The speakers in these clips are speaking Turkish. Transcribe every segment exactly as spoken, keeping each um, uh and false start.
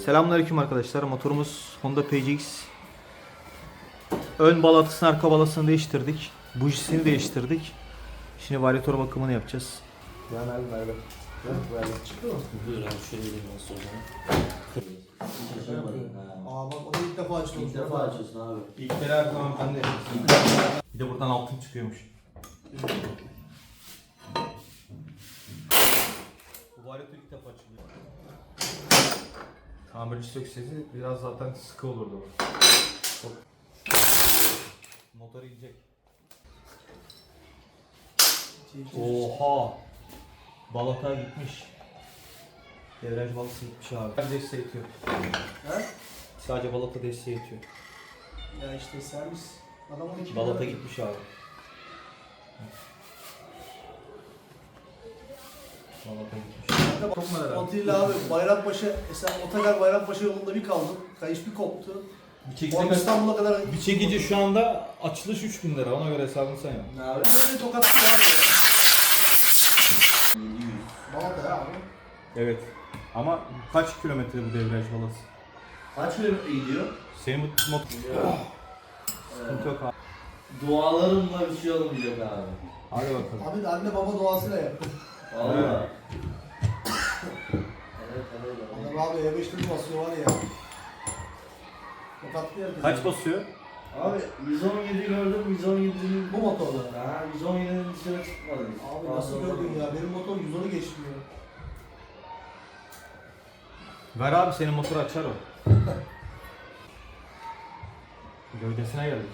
Selamünaleyküm arkadaşlar. Motorumuz Honda P C X. Ön balatısını, arka balasını değiştirdik. Bujisini değiştirdik. Şimdi varyatör bakımını yapacağız. Yani abi ver ver. Ver ver. Çıktı mı? Buyur abi şöyle bir nasıl o zaman. Aa bak o da ilk defa açılmış. İlk defa açıyorsun abi. İlk kere her zaman ben de Bir de buradan altın çıkıyormuş. Bu varyatör ilk defa açılıyor. Tamirci söksesi biraz zaten sıkı olurdu. Motor gidecek. Oha! Balata gitmiş. Devraj balası gitmiş abi. Sadece desteği yetiyor. He? Sadece balata desteği yetiyor. Ya işte servis. Adam on iki Balata lira- gitmiş abi. Balata gitmiş. Kanka Çok merak ettim. Atilla abi Bayrampaşa, mesela Otogar Bayrampaşa yolunda bir kaldım. Kayış bir koptu. Bir Oradan İstanbul'a kadar Bir çekici şu anda açılış üç bin lira, ona göre hesabını sen yap. Ne abi? Ben böyle tokat tutarım ya. Balata ya abi. Evet. Ama kaç kilometre bu devraj balası? Kaç kilometre gidiyor? Senin bu motor sıkıntı yok abi. Dualarımla bir şey olmayacak abi. Hadi bakalım. Abi de anne baba doğasıyla yaptı. Valla. Evet. Evet evet evet. Adam abi E beşte bir basıyor var ya. Tokatlı yer. Kaç basıyor? Abi yüz on yedi gördüm, yüz on yedinin Bu motorla. Ha, yüz on yedinin dışına çıkmadı. Abi nasıl gördün ya? Benim motor yüz onu geçmiyor. Ver abi, senin motoru açar o. Gövdesine geldik.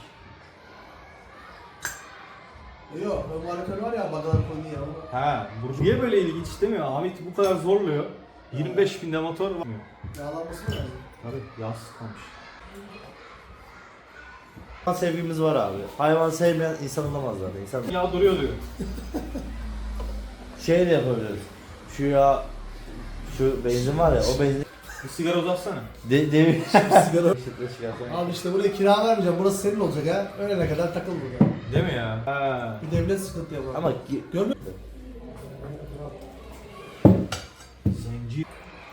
Yok, ön varyatör var ya, bagalar koyuyor ya. onu- Ha, bu niye böyle ilginç istemiyor? Ahmet bu kadar zorluyor. yirmi beş binde motor var. Yağlanması mı lazım? Tabii yağ sıkılmış. Hayvan sevgimiz var abi. Hayvan sevmeyen insan olamaz zaten. İnsan Yağ duruyor diyor. şey de yapabiliriz. Şu ya şu benzin var ya o benzin Bir sigara uzatsana. de, demir Sigara. Işıkla çıkarsan. Abi işte buraya kira vermeyeceğim, burası senin olacak ha. Ölene kadar takıl burada. Değil mi ya? Ha. Bir devlet sıkıntı yapar. Ama gi- Görmüyor Zenci.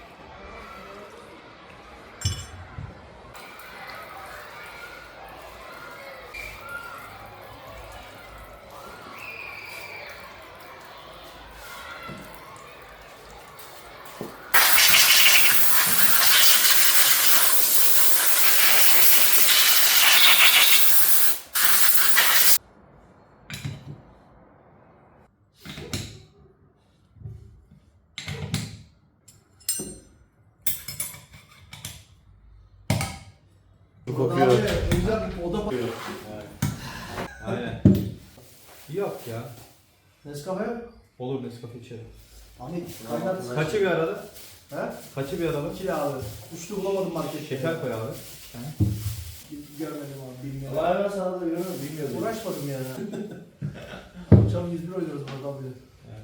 kokuyor. Abi güzel bir oda koyuyor. Aynen. Yok ya. Nescafe. Olur, Nescafe içerim. Ahmet kaynat. Kaçı bir arada? He? Kaçı bir arada? İkili abi. Üçlü bulamadım markette. Şeker koy abi. Görmedim abi, bilmiyorum. Hayvan sağlığı görüyor musun? Bilmiyorum. Uğraşmadım yani. Akşam yüz bir oynuyoruz burada bile.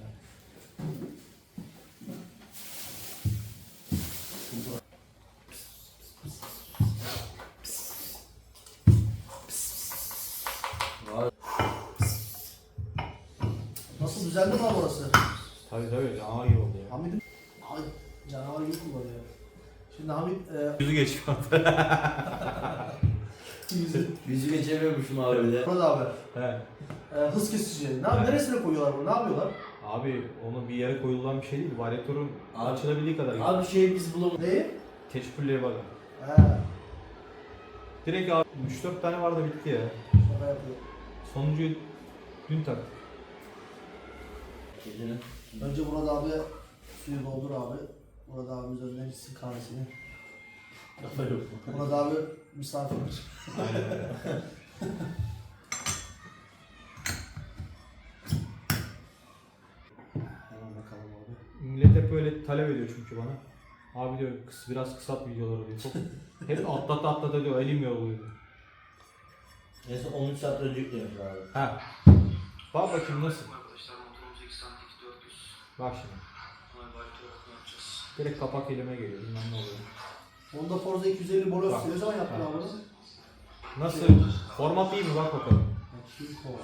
Vay. Nasıl düzeldi mi abi orası? Tabii tabii, canavar gibi oldu ya. Hamid'im abi canavar gibi kullanıyor. Şimdi Hamid e, Yüzü geçiyor. yüzü. Yüzü geçemiyormuşum abi de. Burada abi. He. E, hız kesici. Ne abi neresine koyuyorlar bunu? Ne yapıyorlar? Abi onu bir yere koyulan bir şey değil. Varyatörün Abi- açılabildiği kadar. Abi. Abi şey biz bulamadık. Neyi? Teşekkürlüğe bak. He. Direkt abi üç dört tane vardı, bitti ya. Şaka yapıyor. Sonuncuyu dün taktık. Gecenin. Önce Murat abi suyu doldur abi. Murat abimiz önüne gitsin kahvesini. Kafa yok. Murat abi misafir. Aynen öyle. Hemen bakalım abi. Millet hep böyle talep ediyor çünkü bana. Abi diyor kıs, biraz kısalt videoları diyor. Çok, hep atlata atlata diyor, elim yoruluyor diyor. Neyse on üç saat önce yüklemiş abi. Ha. Bak bakayım nasıl. Arkadaşlar motorumuz iki santik dört yüz. Bak şimdi. Valve yapacağız. Direkt kapak elime geliyor. Bilmem ne oluyor. Honda Forza iki yüz elli Bolos Bak. ne zaman yaptın Bak. abi bunu? Nasıl? Format iyi mi? Bak bakalım. Bakayım kol.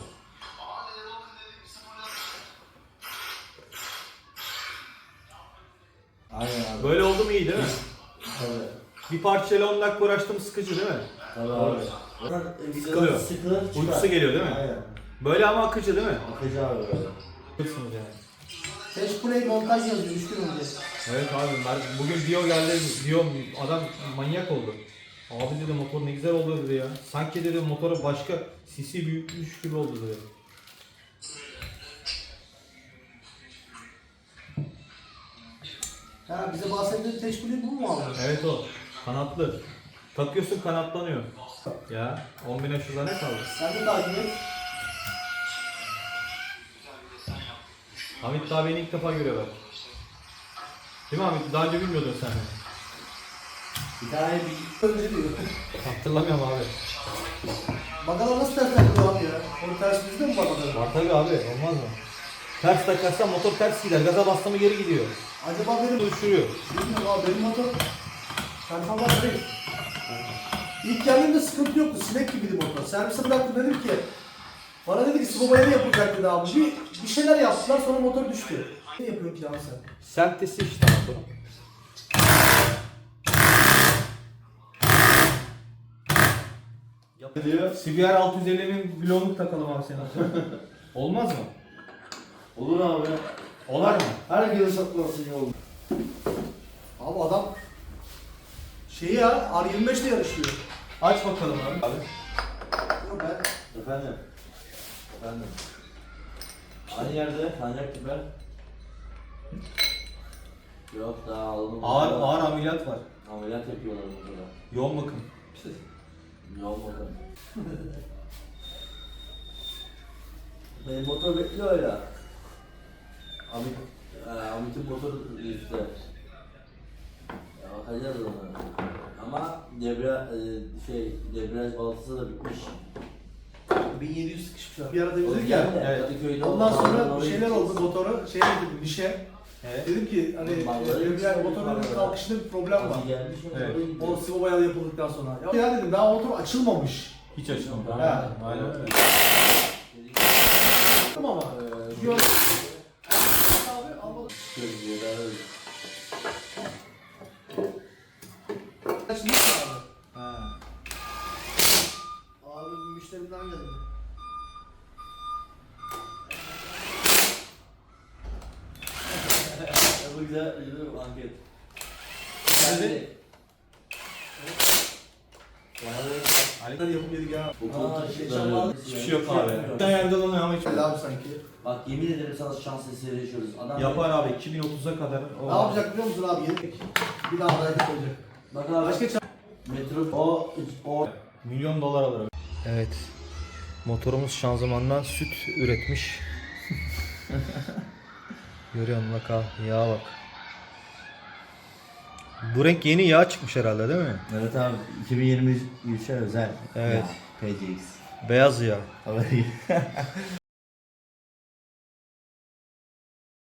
Aynen abi. Böyle oldu mu iyi değil mi? Tabii. Bir parçayla on dakika uğraştım, sıkıcı değil mi? Tabii abi. Zaten Sıkılıyor. Sıkılır çıkar. Uykusu geliyor değil mi? Aynen. Böyle ama akıcı değil mi? Akıcı abi böyle. Sıkılsınız yani. Cash Play montaj yazıyor üç gün önce. Evet abi, ben bugün Dio geldi, Dio adam manyak oldu. Abi dedi motor ne güzel oldu dedi ya. Sanki dedi motora başka cc büyütmüş gibi oldu dedi. Ha bize bahsettiğin Cash Play bu mu abi? Evet o. Kanatlı. Takıyorsun kanatlanıyor. Ya on bine şurada ne kaldı? Sen de takip et. Hamit daha beni ilk defa görüyor bak. Değil mi Hamit? Daha önce bilmiyordun sen beni. Bir tane bir Önce diyor. Hatırlamıyorum abi. Bakalım nasıl ters takılıyor abi ya? Onu ters bizde mi bakalım? Var tabi abi, olmaz mı? Ters takarsan motor ters gider, gaza bastı mı geri gidiyor. Acaba benim... Uçuruyor. Bilmiyorum abi benim motor... Performans değil. İlk geldiğimde sıkıntı yoktu. Sinek gibiydi motor. Servise bıraktım dedim ki... Bana dedi ki sıvı ne yapılacak dedi abi. Bir, bir şeyler yaptılar sonra motor düştü. Ne yapıyorsun ki abi sen? Sentesi işte motorun. ne diyor? C B R altı yüz ellinin bloğunu takalım abi senin. Olmaz mı? Olur abi. Olar mı? Herkesin satması iyi olur. Abi adam... Şeyi ya R yirmi beş ile yarışıyor. Aç bakalım abi. abi. Yok ben... Efendim. Efendim. Aynı yerde kancak biber. Yok daha alalım. Ağır ağır ameliyat var. Ameliyat yapıyorlar burada. Yoğun bakım. Yoğun bakalım. Benim motor bekliyor öyle. Amit, e, Amit'in motoru işte. Ya bakacağız ona. Ama debra, e, şey, debriyaj baltası da bitmiş. bin yedi yüz sıkışmış abi. Bir ara O dedik ya. yüzden de evet. Kadıköy'de Ondan oldu. sonra Oraya bir şeyler gideceğiz. oldu motora. Şey dedim dişe. Evet. Dedim ki hani Vallahi e, yani hiç motorun şey kalkışında bir problem var. Hadi gelmiş, Evet. oraya gidiyoruz. O sıvı boyalı yapıldıktan sonra. Ya, ya dedim daha motor açılmamış. Hiç açılmadı. Ha. Aynen öyle. Dedim ama. Ee, Gör. Abi almadım. Gözlüğü daha öyle. Açılmış abi. Ha. Abi müşterimden geldi. Ya bu güzel, güzel bir anket. Nerede? Hareketler yapıp yedik ya. Bu Aa, koltuk şey, ışıkları- şamar- Hiçbir şey yok abi. Bir yerde dolanıyor ama hiç Güzel abi sanki. Bak yemin ederim sana şans eseri yaşıyoruz. Adam yapar abi iki bin otuza kadar. O Ne yapacak biliyor musun abi? Yedik. Bir daha hareket olacak. Bak abi. Başka çam... Metro o o Milyon dolar alır. Evet. Motorumuz şanzımandan süt üretmiş. Görüyor musun bak ha, yağa bak. Bu renk yeni yağ çıkmış herhalde değil mi? Evet abi iki bin yirmi üçe özel. Evet. P C X. Beyaz yağ. Tabii.